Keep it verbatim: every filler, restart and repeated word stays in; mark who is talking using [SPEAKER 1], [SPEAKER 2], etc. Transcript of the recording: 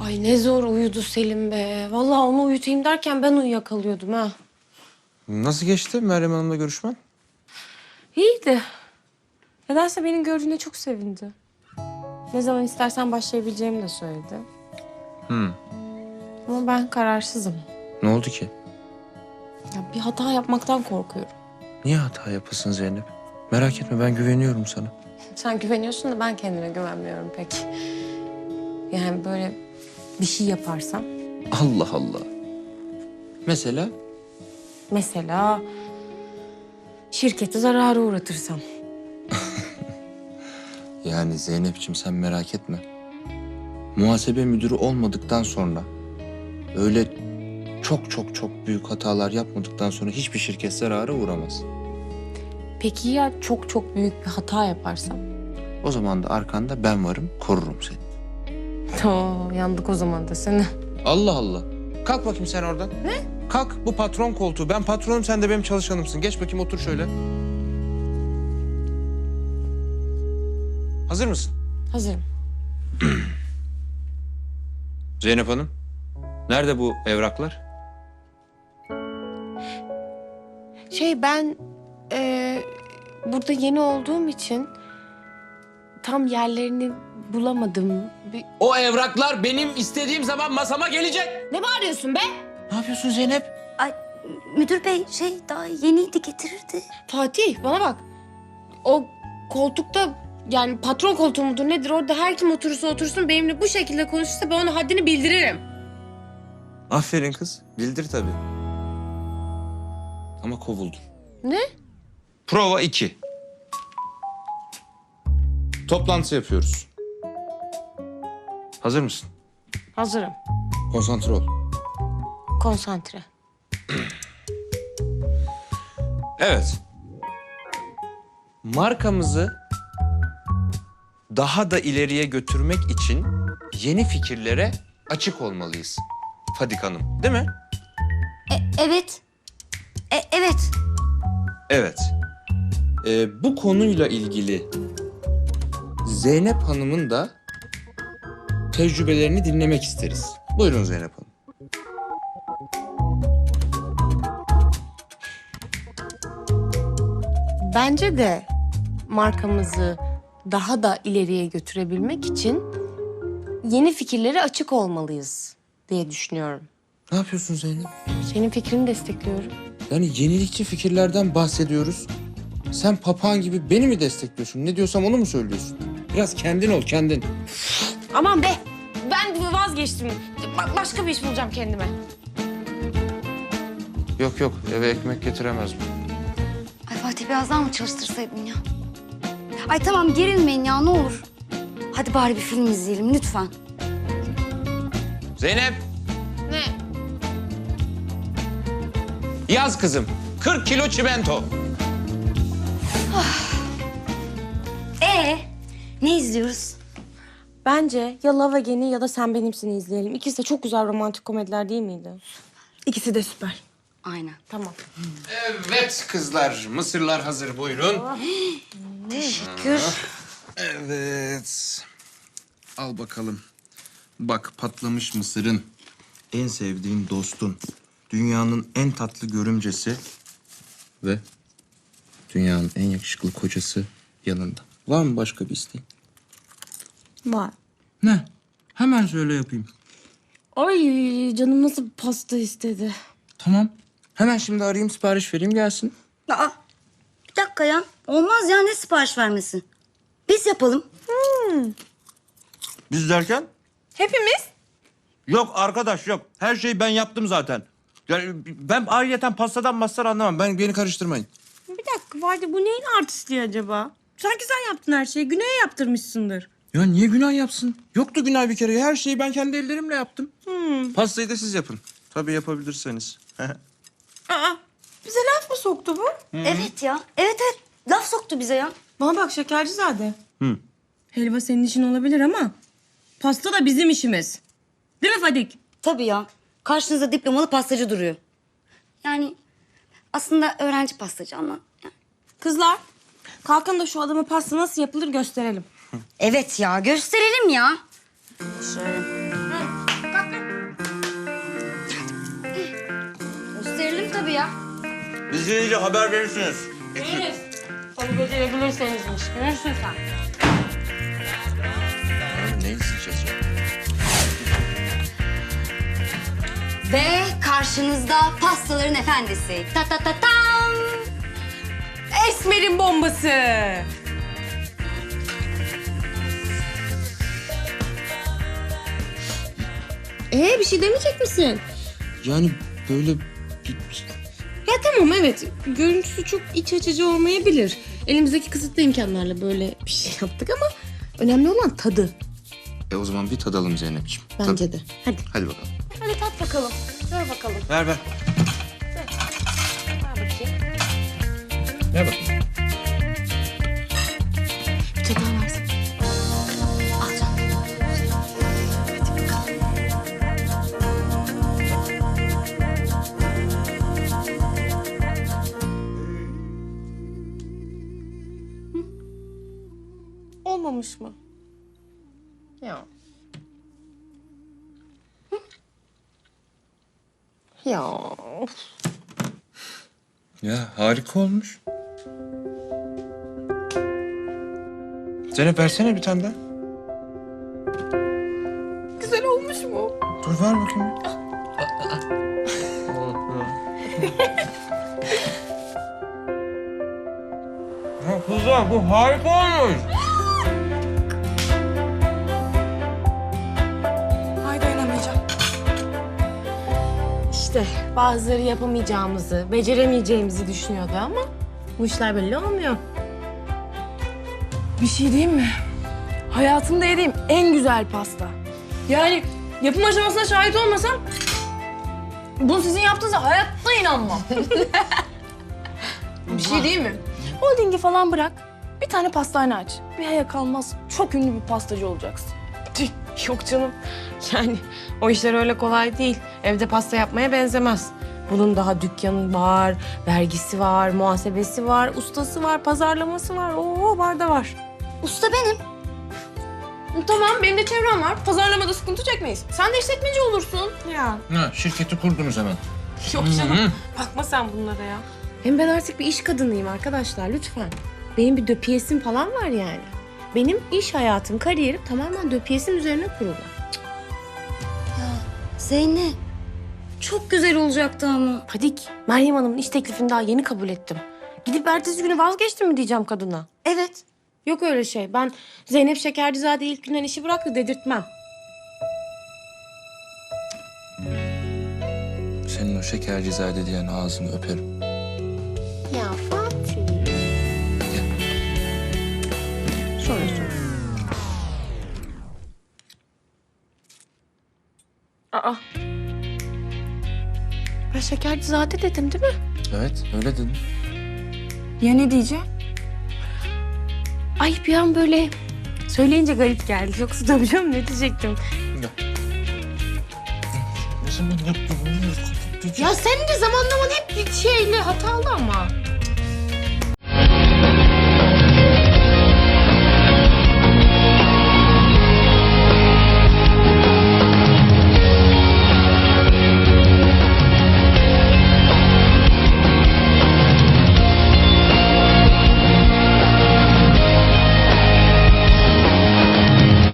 [SPEAKER 1] Ay ne zor uyudu Selim be. Vallahi onu uyutayım derken ben uyuyakalıyordum ha.
[SPEAKER 2] Nasıl geçti Meryem Hanım'la görüşmen?
[SPEAKER 1] İyiydi. Nedense beni gördüğüne çok sevindi. Ne zaman istersen başlayabileceğimi de söyledi.
[SPEAKER 2] Hmm.
[SPEAKER 1] Ama ben kararsızım.
[SPEAKER 2] Ne oldu ki?
[SPEAKER 1] Ya bir hata yapmaktan korkuyorum.
[SPEAKER 2] Niye hata yapasın Zeynep? Merak etme, ben güveniyorum sana.
[SPEAKER 1] Sen güveniyorsun da ben kendime güvenmiyorum pek. Yani böyle bir şey yaparsam.
[SPEAKER 2] Allah Allah. Mesela?
[SPEAKER 1] Mesela şirketi zarara uğratırsam.
[SPEAKER 2] Yani Zeynep'ciğim sen merak etme. Muhasebe müdürü olmadıktan sonra... ...öyle çok çok çok büyük hatalar yapmadıktan sonra hiçbir şirket zarara uğramaz.
[SPEAKER 1] Peki ya çok çok büyük bir hata yaparsam?
[SPEAKER 2] O zaman da arkanda ben varım, korurum seni.
[SPEAKER 1] Oo, yandık o zaman da seni.
[SPEAKER 2] Allah Allah. Kalk bakayım sen oradan.
[SPEAKER 1] Ne?
[SPEAKER 2] Kalk, bu patron koltuğu. Ben patronum, sen de benim çalışanımsın. Geç bakayım, otur şöyle. Hazır mısın?
[SPEAKER 1] Hazırım.
[SPEAKER 2] Zeynep Hanım, nerede bu evraklar?
[SPEAKER 1] Şey ben e, burada yeni olduğum için tam yerlerini bulamadım. Bir...
[SPEAKER 2] O evraklar benim istediğim zaman masama gelecek.
[SPEAKER 1] Ne bağırıyorsun be?
[SPEAKER 2] Ne yapıyorsun Zeynep?
[SPEAKER 3] Ay müdür bey şey daha yeniydi getirirdi.
[SPEAKER 1] Fatih bana bak. O koltukta yani patron koltuğu mudur nedir orada her kim oturursa otursun benimle bu şekilde konuşursa ben ona haddini bildiririm.
[SPEAKER 2] Aferin kız, bildir tabii. Ama kovuldun.
[SPEAKER 1] Ne?
[SPEAKER 2] Prova iki. Toplantı yapıyoruz. Hazır mısın?
[SPEAKER 1] Hazırım.
[SPEAKER 2] Konsantre ol.
[SPEAKER 1] Konsantre.
[SPEAKER 2] Evet. Markamızı daha da ileriye götürmek için yeni fikirlere açık olmalıyız. Fadik Hanım, değil mi?
[SPEAKER 3] E, evet. E, evet.
[SPEAKER 2] Evet. Ee, bu konuyla ilgili Zeynep Hanım'ın da tecrübelerini dinlemek isteriz. Buyurun Zeynep Hanım.
[SPEAKER 1] Bence de markamızı daha da ileriye götürebilmek için yeni fikirlere açık olmalıyız diye düşünüyorum.
[SPEAKER 2] Ne yapıyorsun Zeynep?
[SPEAKER 1] Senin fikrini destekliyorum.
[SPEAKER 2] Yani yenilikçi fikirlerden bahsediyoruz. Sen papağan gibi beni mi destekliyorsun? Ne diyorsam onu mu söylüyorsun? Biraz kendin ol, kendin.
[SPEAKER 1] Aman be! Ben vazgeçtim. Ba- başka bir iş bulacağım kendime.
[SPEAKER 2] Yok yok, eve ekmek getiremez mi?
[SPEAKER 3] Ay Fatih biraz daha mı çalıştırsaydın ya? Ay tamam gerilmeyin ya ne olur. Hadi bari bir film izleyelim lütfen.
[SPEAKER 2] Zeynep,
[SPEAKER 1] Ne?
[SPEAKER 2] yaz kızım. kırk kilo çimento.
[SPEAKER 3] Ee ne izliyoruz?
[SPEAKER 1] Bence ya Love Again'i ya da Sen Benimsin'i izleyelim. İkisi de çok güzel romantik komediler değil miydi? İkisi de süper.
[SPEAKER 3] Aynen.
[SPEAKER 1] Tamam.
[SPEAKER 2] Evet kızlar, mısırlar hazır, buyurun.
[SPEAKER 3] Teşekkür.
[SPEAKER 2] Evet. Al bakalım. Bak, patlamış mısırın, en sevdiğin dostun, dünyanın en tatlı görümcesi ve dünyanın en yakışıklı kocası yanında. Var mı başka bir isteğin?
[SPEAKER 1] Var.
[SPEAKER 2] Ne? Hemen söyle yapayım.
[SPEAKER 1] Ay canım nasıl pasta istedi.
[SPEAKER 2] Tamam. Hemen şimdi arayayım, sipariş vereyim, gelsin.
[SPEAKER 3] Aa, bir dakika ya. Olmaz ya ne sipariş vermesin. Biz yapalım.
[SPEAKER 4] Biz derken?
[SPEAKER 1] Hepimiz?
[SPEAKER 4] Yok arkadaş yok. Her şeyi ben yaptım zaten. Yani ben ayrıyeten pastadan mastar anlamam. Ben
[SPEAKER 2] Ben beni karıştırmayın.
[SPEAKER 1] Bir dakika Vadi bu neyin artistliği acaba? Sanki sen yaptın her şeyi. Güney'e yaptırmışsındır.
[SPEAKER 2] Ya niye günah yapsın? Yoktu günah bir kere. Her şeyi ben kendi ellerimle yaptım.
[SPEAKER 1] Hmm.
[SPEAKER 2] Pastayı da siz yapın. Tabii yapabilirseniz.
[SPEAKER 1] Aa, bize laf mı soktu bu?
[SPEAKER 3] Evet ya. Evet evet. Laf soktu bize ya.
[SPEAKER 1] Bana bak Şekercizade.
[SPEAKER 4] Hı.
[SPEAKER 1] Helva senin işin olabilir ama pasta da bizim işimiz. Değil mi Fadik?
[SPEAKER 3] Tabii ya. Karşınızda diplomalı pastacı duruyor. Yani aslında öğrenci pastacı ama.
[SPEAKER 1] Kızlar, kalkın da şu adama pasta nasıl yapılır gösterelim.
[SPEAKER 3] Evet ya gösterelim ya. Şöyle.
[SPEAKER 4] İzleyince haber verirsiniz.
[SPEAKER 1] Deniz, onu becerebilirsenizmiş. Görürsün sen.
[SPEAKER 2] Ne izleyeceğiz ya?
[SPEAKER 3] Ve karşınızda pastaların efendisi. Ta ta ta tam.
[SPEAKER 1] Esmer'in bombası. Ee bir şey demeyecek misin?
[SPEAKER 2] Yani böyle
[SPEAKER 1] Ya tamam evet. Görüntüsü çok iç açıcı olmayabilir. Elimizdeki kısıtlı imkanlarla böyle bir şey yaptık ama önemli olan tadı.
[SPEAKER 2] E o zaman bir tadalım Zeynep'ciğim.
[SPEAKER 1] Bence de. Hadi.
[SPEAKER 2] Hadi bakalım.
[SPEAKER 1] Hadi tat bakalım. Ver bakalım.
[SPEAKER 4] Ver ver.
[SPEAKER 1] Ver bakayım.
[SPEAKER 2] Ver bakayım.
[SPEAKER 1] Bir tane daha versin. Al canım. Hadi bakalım. Hı? Olmamış mı? Ya. Hı? Ya. of.
[SPEAKER 2] Ya harika olmuş. Zeynep versene bir tane daha.
[SPEAKER 1] Güzel olmuş mu?
[SPEAKER 2] Dur ver bakayım.
[SPEAKER 4] Ya kızlar bu harika olmuş.
[SPEAKER 1] Ay dayanamayacağım. İşte bazıları yapamayacağımızı, beceremeyeceğimizi düşünüyordu ama bu işler belli olmuyor.
[SPEAKER 5] Bir şey diyeyim mi? Hayatımda yediğim en güzel pasta. Yani yapım aşamasına şahit olmasam bunu sizin yaptığınıza hayatta inanmam. Bir şey diyeyim mi? Holdingi falan bırak. Bir tane pastane aç. Bir aya kalmaz çok ünlü bir pastacı olacaksın.
[SPEAKER 1] Tüh, yok canım. Yani o işler öyle kolay değil. Evde pasta yapmaya benzemez. Bunun daha dükkanı var, vergisi var, muhasebesi var, ustası var, pazarlaması var. Oo var da var.
[SPEAKER 3] Usta benim.
[SPEAKER 5] Tamam benim de çevrem var. Pazarlamada sıkıntı çekmeyiz. Sen de işletmeci olursun.
[SPEAKER 1] Ya
[SPEAKER 2] Ha, şirketi kurdunuz hemen.
[SPEAKER 1] yok canım. Bakma sen bunlara ya. Hem ben artık bir iş kadınıyım arkadaşlar lütfen. Benim bir döpiyesim falan var yani. Benim iş hayatım, kariyerim tamamen döpiyesim üzerine kurulu.
[SPEAKER 3] Zeynep. Çok güzel olacaktı ama.
[SPEAKER 1] Fadik, Meryem Hanım'ın iş teklifini daha yeni kabul ettim. Gidip ertesi günü vazgeçtim mi diyeceğim kadına?
[SPEAKER 3] Evet.
[SPEAKER 1] Yok öyle şey. Ben Zeynep Şekercizade ilk günden işi bıraktı dedirtmem.
[SPEAKER 2] Senin o şekercizade diyen ağzını öperim.
[SPEAKER 1] Ya Fatih. Sonra sonra. Aa. Ben Şekercizade dedim değil mi?
[SPEAKER 2] Evet öyle dedim.
[SPEAKER 5] Ya ne diyeceğim?
[SPEAKER 1] Ay bir an böyle söyleyince garip geldi. Yoksa tabii canım ne diyecektim?
[SPEAKER 2] Ne zaman yaptın?
[SPEAKER 1] Ya senin de zamanlaman hep bir şeyle hatalı ama.